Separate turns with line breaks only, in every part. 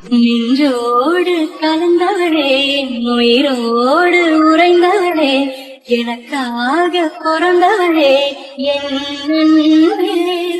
நின்றோடு கலந்தவளே, உயிரோடு உறைந்தவளே, எனக்காக பிறந்தவளே, என் அன்பே.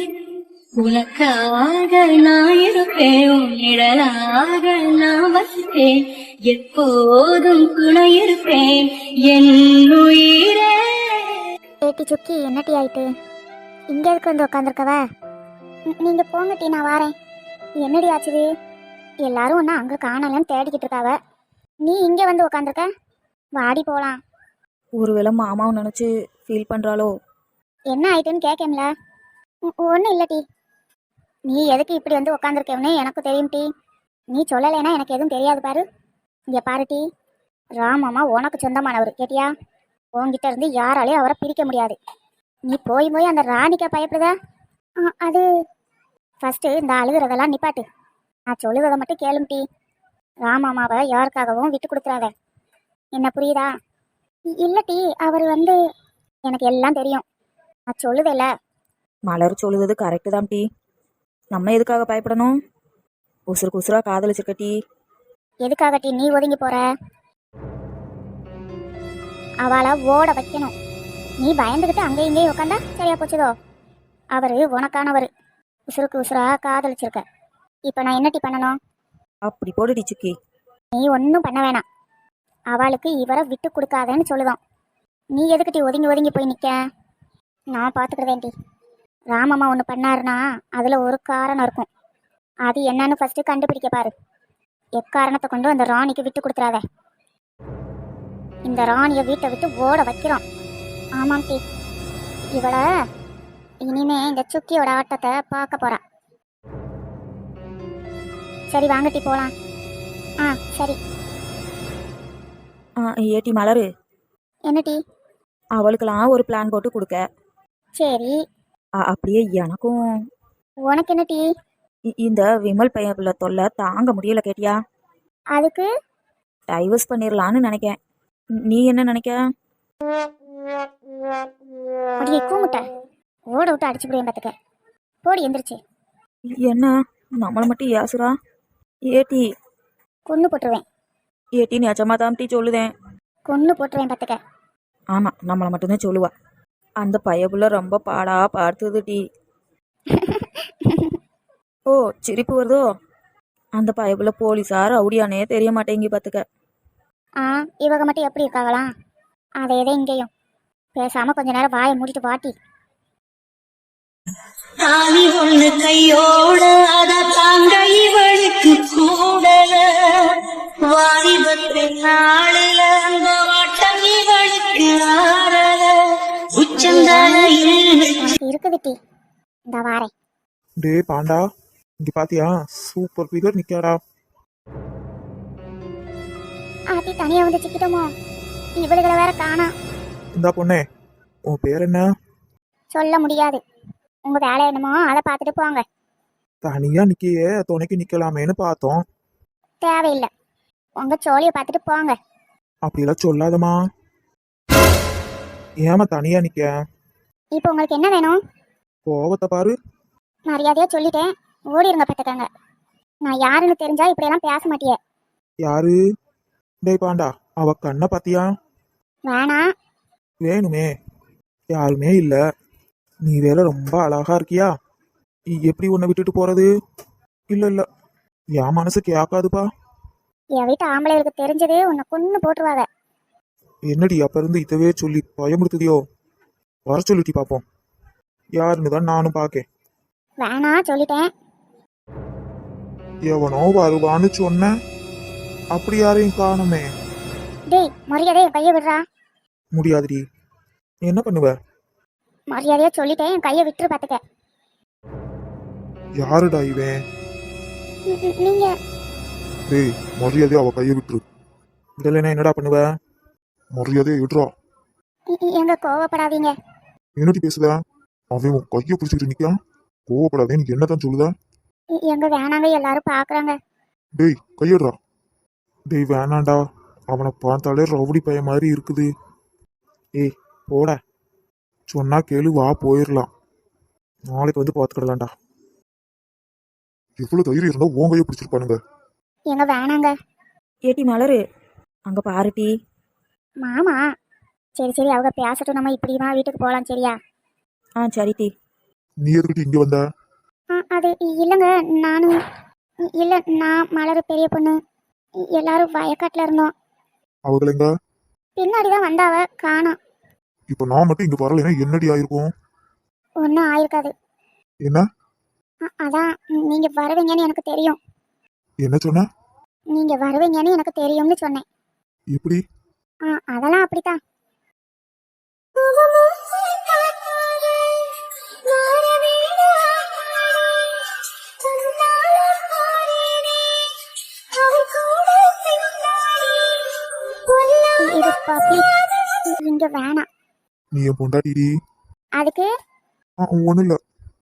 உனக்காக நான் இருப்பேன், உன் நிழலாக நான் வசிப்பேன், எப்போதும் துணை இருப்பேன் என் உயிரே.
ஏட்டி சுக்கி, என்னட்டி ஆயிட்டு இங்க எதுக்கு வந்து உட்காந்துருக்கவ? நீங்க போங்க டீ, நான் வாரேன். என்னடி ஆச்சுது? எல்லாரும் ஒன்னா அங்க காணலன்னு தேடிக்கிட்டு இருக்காவ, நீ இங்க வந்து உட்காந்துருக்க. வாடி போலாம்.
ஒருவேளை மாமாவை நினச்சி ஃபீல் பண்ணுறாளோ?
என்ன ஆயிட்டுன்னு கேட்கல. ஒன்றும் இல்லை டீ. நீ எதுக்கு இப்படி வந்து உட்காந்துருக்கேன்னு எனக்கு தெரியும் டீ. நீ சொல்லலைன்னா எனக்கு எதுவும் தெரியாது பாரு. இங்கே பாரு டீ, ராமம்மா உனக்கு சொந்தமானவர் கேட்டியா? உன்கிட்ட இருந்து யாராலையும் அவரை பிரிக்க முடியாது. நீ போய் போய் அந்த ராணிக்கா பயப்படுதா? அது ஃபஸ்ட்டு இந்த அழுகிறதெல்லாம் நிப்பாட்டு. நான் சொல்லுவதை மட்டும் கேளும் டீ. ராமம்மாவை யாருக்காகவும் விட்டு கொடுத்துறாத. என்ன புரியுதா? இல்லை டீ, அவர் வந்து எனக்கு எல்லாம் தெரியும். நான் சொல்லுதில்ல.
மலர் சொல்லுவது கரெக்டு தான் டீ. நம்ம எதுக்காக பயப்படணும்? உசுருக்கு உசுரா காதலிச்சிருக்க டீ.
எதுக்காக டீ நீ ஒதுங்கி போற? அவளை ஓட வைக்கணும். நீ பயந்துக்கிட்டு அங்கே இங்கேயும் உட்காந்தா சரியா போச்சுதோ? அவரு உனக்கானவர். உசுருக்கு உசுரா காதலிச்சிருக்க. இப்போ நான் என்ன டீ பண்ணணும்?
அப்படி போடு டி சுக்கி.
நீ ஒன்றும் பண்ண வேணாம். அவளுக்கு இவரை விட்டு கொடுக்காதேன்னு சொல்லுவோம். நீ எதுக்கு டீ ஒதுங்கி ஒதுங்கி போய் நிற்க? நான் பார்த்துக்கிறதேன் டீ. ராமம்மா ஒன்று பண்ணாருன்னா அதில் ஒரு காரணம் இருக்கும். அது என்னன்னு ஃபஸ்ட்டு கண்டுபிடிக்க பாரு. எக்காரணத்தை கொண்டு அந்த ராணிக்கு விட்டு கொடுத்துறாத. இந்த ராணியை வீட்டை விட்டு ஓட வைக்கிறோம். ஆமாம் டீ. இவளை இனிமே இந்த சுக்கியோட ஆட்டத்தை பார்க்க போறா. சரி வாங்க டீ போலாம். சரி.
ஏட்டி மலரு,
என்ன டீ?
அவளுக்கெல்லாம் ஒரு பிளான் போட்டு கொடுக்க.
சரி.
அப்படியே எனக்கும்.
உனக்கு என்ன டீ?
இந்த விமல் பையன் பிள்ளை தொல்லை தாங்க முடியல கேட்டியா?
அதுக்கு
டைவர்ஸ் பண்ணிடலான்னு நினைக்கேன். நீ என்ன நினைக்க?
அப்படியே கூமுட்ட ஓட விட்டு அடிச்சு போடுவேன் பார்த்துக்க. போடி எந்திரிச்சு.
என்ன நம்மளை மட்டும் ஏசுறா? ஏட்டி
கொன்று போட்டுருவேன்.
ஏட்டி நிஜமா தான் டீ சொல்லுதேன்.
கொன்று போட்டுருவேன் பார்த்துக்க.
ஆமாம், நம்மளை மட்டும்தான் சொல்லுவா. அந்த பையப்புள்ள ரொம்ப பாடா பார்த்துது டீ. ஓ, சிரிப்பு வருதோ? அந்த பையப்புள்ள போலீஸார் ரவுடியானே தெரிய மாட்டேங்கி பார்த்துக்க.
இவங்க மட்டும் எப்படி இருக்காங்களாம்? அதே இங்கேயும். பேசாம கொஞ்ச நேரம் வாயை மூடிட்டு வாட்டி.
தாலி ஒண்ணு கையோட அத தாங்க இவளுக்கு கூடல. வாலிபத்து நாளில அந்த வாட்டம் இவளுக்கு ஆறல. உச்சந்தலையில்
இருக்குது டீ. இந்த வாரேன்.
டே பாண்டா, இங்க பாத்தியா? சூப்பர் ஃபிகர் நிக்காடா.
ஆத்தி தனியா வந்து சிக்கிட்டோமோ? இவளுகளை வேற காணா.
இந்தா பொண்ணே, உன் பேர் என்ன?
சொல்ல முடியாது. உங்க வேலை என்னமோ அதை பார்த்துட்டு போங்க.
தனியா நிக்கியே, துணைக்கு நிக்கலாமேன்னு பார்த்தோம்.
தேவையில்லை, உங்க சோழியை பார்த்துட்டு போங்க.
அப்படிலாம் சொல்லாதம்மா. ஏமா தனியா நிக்க?
இப்போ உங்களுக்கு என்ன வேணும்?
கோவத்தை பாரு.
மரியாதையா சொல்லிட்டேன், ஓடிருங்க பார்த்துக்கங்க. நான் யாருன்னு தெரிஞ்சா இப்படியெல்லாம் பேச மாட்டியே.
யாரு? டேய் பாண்டா, அவ கண்ணை பாத்தியா?
வேணா.
வேணுமே. யாருமே இல்ல. நீ வேற ரொம்ப அழகா இருக்கியா. எப்படி உன்னை விட்டுட்டு போறது? இல்ல இல்ல, என் மனசு கேட்காதுப்பா.
என் வீட்டு ஆம்பளைகளுக்கு தெரிஞ்சது உன்னை கொன்னு போட்டுருவாங்க.
என்னடி அப்ப இருந்து இதவே சொல்லி பயமுடுத்துதியோ? வர சொல்லிட்டி பாப்போம். யாருன்னு தான் நானும் பாக்கேன்.
வேணா சொல்லிட்டேன்.
எவனோ வருவான்னு சொன்ன, அப்படி யாரையும் காணுமே.
டேய், மரியாதையா என் கையை விடுறா.
முடியாதுடி. என்ன பண்ணுவ?
மரியாதையா சொல்லிட்டேன், என் கையை விட்டுரு பார்த்துக்க.
யாருடா இவன்?
நீங்க.
டேய், மரியாதையா அவ கையை விட்டுரு. இதெல்லாம் என்னடா பண்ணுவ? மரியாதையா விடுறா.
எங்க கோவப்படாதீங்க.
என்னடி பேசுத? அவன் உன் கையை பிடிச்சிட்டு நிக்கான். கோவப்படாதே, நீ என்னதான் சொல்லுத?
எங்க வேணாங்க, எல்லாரும் பாக்குறாங்க.
டேய் கையிடுறா. டேய் வேணாண்டா, அவனை பார்த்தாலே ரவுடி பையன் மாதிரி இருக்குது. ஏய் போட, சொன்னா கேளு, வா போயிடலாம். நாளைக்கு வந்து பார்த்துக்கிடலாம்டா. எவ்வளவு தைரியம் இருந்தா உன் கையை பிடிச்சிருப்பானுங்க.
எங்க வேணாங்க.
ஏட்டி மலரு அங்கே பாருட்டி.
மாமா. சரி சரி, அவங்க பேசட்டும், நம்ம இப்படிமா வீட்டுக்கு போகலாம், சரியா?
ஆ சரிட்டி.
நீ எதுக்கிட்டு இங்க வந்த?
அது இல்லைங்க. நானும் இல்லை, நான் மலர் பெரிய பொண்ணு எல்லாரும் வயக்காட்டில் இருந்தோம்.
அவங்கள எங்க?
பின்னாடி தான் வந்தாவ, காணோம்.
இப்ப நான் மட்டும் இங்க வரலைன்னா என்னடி ஆயிருக்கும்?
ஒன்றும் ஆயிருக்காது.
என்ன?
அதான் நீங்கள் வருவீங்கன்னு எனக்கு தெரியும்.
என்ன சொன்ன?
நீங்கள் வருவீங்கன்னு எனக்கு தெரியும்னு சொன்னேன்.
எப்படி?
அதெல்லாம் அப்படித்தான். இது பப்ளிக், இங்க வேணாம்.
நீ என் பொண்டாட்டிடி.
அதுக்கு
ஒண்ணும் இல்ல.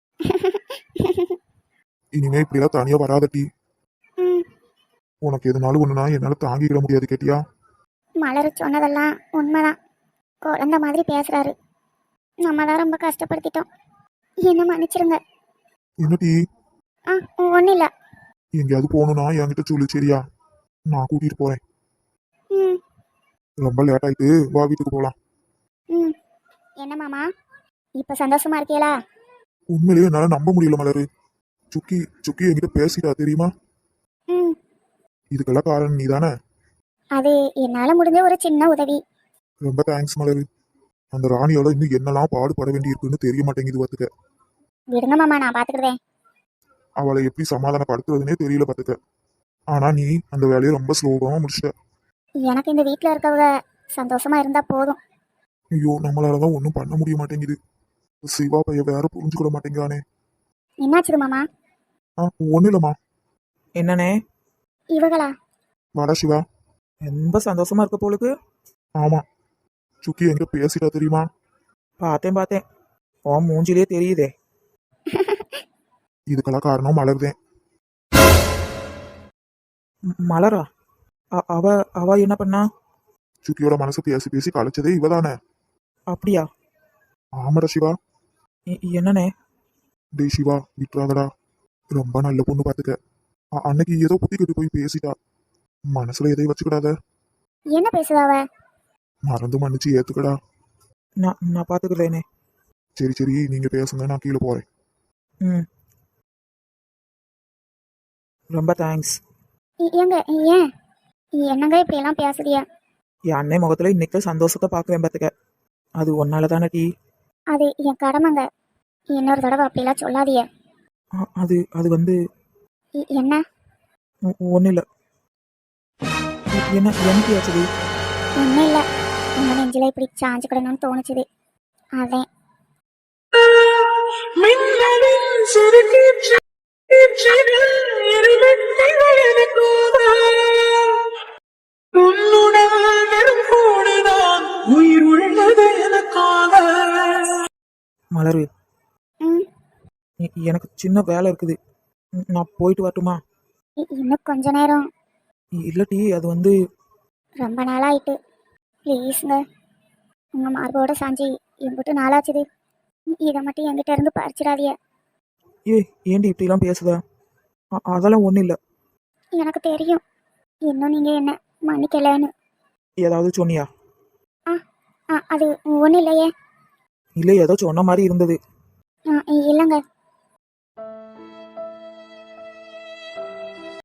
இனிமே இப்படிலாம் தனியா வராதட்டி.
ம்,
உனக்கு எதுனாலும் ஒண்ணுனா என்னால தாங்கிக்கிட முடியாது, கேட்டியா?
மலர் சொன்னதெல்லாம் உண்மைதான். குழந்த மாதிரி பேசுறாரு. நம்ம தான் ரொம்ப கஷ்டப்படுத்திட்டோம். என்ன மன்னிச்சிருங்க.
என்னடி?
ஒன்றும் இல்லை.
எங்கேயாவது போகணும்னா என்கிட்ட சொல்லு, சரியா? நான் கூட்டிட்டு போறேன்.
ம்
ரொம்ப லேட் ஆயிட்டு, வா வீட்டுக்கு போலாம்.
ம் என்ன மாமா, இப்போ சந்தோஷமா இருக்கீங்களா?
உண்மையிலேயே என்னால நம்ப முடியல மலரு. சுக்கி சுக்கி என்கிட்ட பேசிட்டா, தெரியுமா?
ம்
இதுக்கெல்லாம் காரணம் நீ தானே.
அது என்னால் முடிஞ்ச ஒரு சின்ன உதவி.
ரொம்ப தேங்க்ஸ் மலரு. அந்த ராணியோட இன்னும் என்னெல்லாம் பாடுபட வேண்டியிருக்குன்னு தெரிய மாட்டேங்குது பாத்துக்க.
விடுங்க மாமா, நான் பார்த்துக்கிடுவேன்.
அவளை எப்படி சமாதானப்படுத்துறதுனே தெரியல பாத்துக்க. ஆனா நீ அந்த வேலையை ரொம்ப ஸ்லோகமா முடிச்சிட்ட.
எனக்கு இந்த வீட்டில் இருக்கவங்க சந்தோஷமா இருந்தால் போதும்.
ஐயோ, நம்மளாலதான் ஒன்றும் பண்ண முடிய மாட்டேங்குது. சிவா பையன் வேற புரிஞ்சுக்கிட மாட்டேங்கிறானே.
என்னாச்சுது மாமா?
ஒன்றும் இல்லம்மா.
என்னண்ணே?
இவங்களா?
வாடா சிவா.
ரொம்ப சந்தோஷமா இருக்க போலுக்கு.
ஆமா, சுக்கி என்கிட்ட பேசிட்டா, தெரியுமா?
பார்த்தேன் பார்த்தேன், உன் மூஞ்சிலே தெரியுதே.
இதுக்கெல்லாம் காரணம் மலர்தேன்.
மலரா? அவ அவ என்ன பண்ணா?
சுக்கியோட மனசு பேசி பேசி கலைச்சதே இவதானே.
அப்படியா?
ஆமாடா சிவா.
என்னண்ணே?
டேய் சிவா, விட்டுறாதடா. ரொம்ப நல்ல பொண்ணு பாத்துக்க. அன்னைக்கு ஏதோ புத்தி கட்டு போய் பேசிட்டா. மனசுல எதையும் வச்சுக்கிடாத.
என்ன பேசுதாவ?
மறந்து மன்னிச்சு ஏத்துக்கடா.
நான் பார்த்துக்கிறேனே.
சரி சரி, நீங்க பேசுங்க, நான் கீழே போறேன்.
ம், ரொம்ப தேங்க்ஸ்.
ஏங்க ஏன் என்னங்க இப்படியெல்லாம் பேசுறியா?
என் அண்ணன் முகத்துல இன்னைக்கு சந்தோஷத்தை பார்க்குறேன் பார்த்துக்க. அது ஒன்னால தானே டீ.
அது என் கடமைங்க. இன்னொரு தடவை அப்படிலாம் சொல்லாதிய.
அது அது வந்து
என்ன?
ஒன்றும் இல்லை. என்ன எனக்கு ஆச்சுது?
ஒன்றும் இல்லை, உங்க நெஞ்சில இப்படி சாஞ்சுக்கிடணும்னு தோணுச்சுது, அதான்.
மலரு,
ம்
எனக்கு சின்ன வேலை இருக்குது. நான் போயிட்டு வரட்டுமா?
இன்னும் கொஞ்ச நேரம்.
இல்லை டீ, அது வந்து
ரொம்ப நாளாயிட்டு. ப்ளீஸுங்க, உங்கள் மார்போட சாஞ்சி எம்பிட்டு நாளாச்சுது. இதை மட்டும் என்கிட்ட இருந்து பறிச்சிடாதிய.
ஏண்டி இப்படிலாம் பேசுத? அதெல்லாம் ஒன்றும் இல்லை.
எனக்கு தெரியும் இன்னும் நீங்கள் என்ன மன்னிக்கலைன்னு.
ஏதாவது சொன்னியா?
அது ஒன்றும் இல்லையே.
இல்லை, ஏதோ சொன்ன மாதிரி இருந்தது.
இல்லைங்க,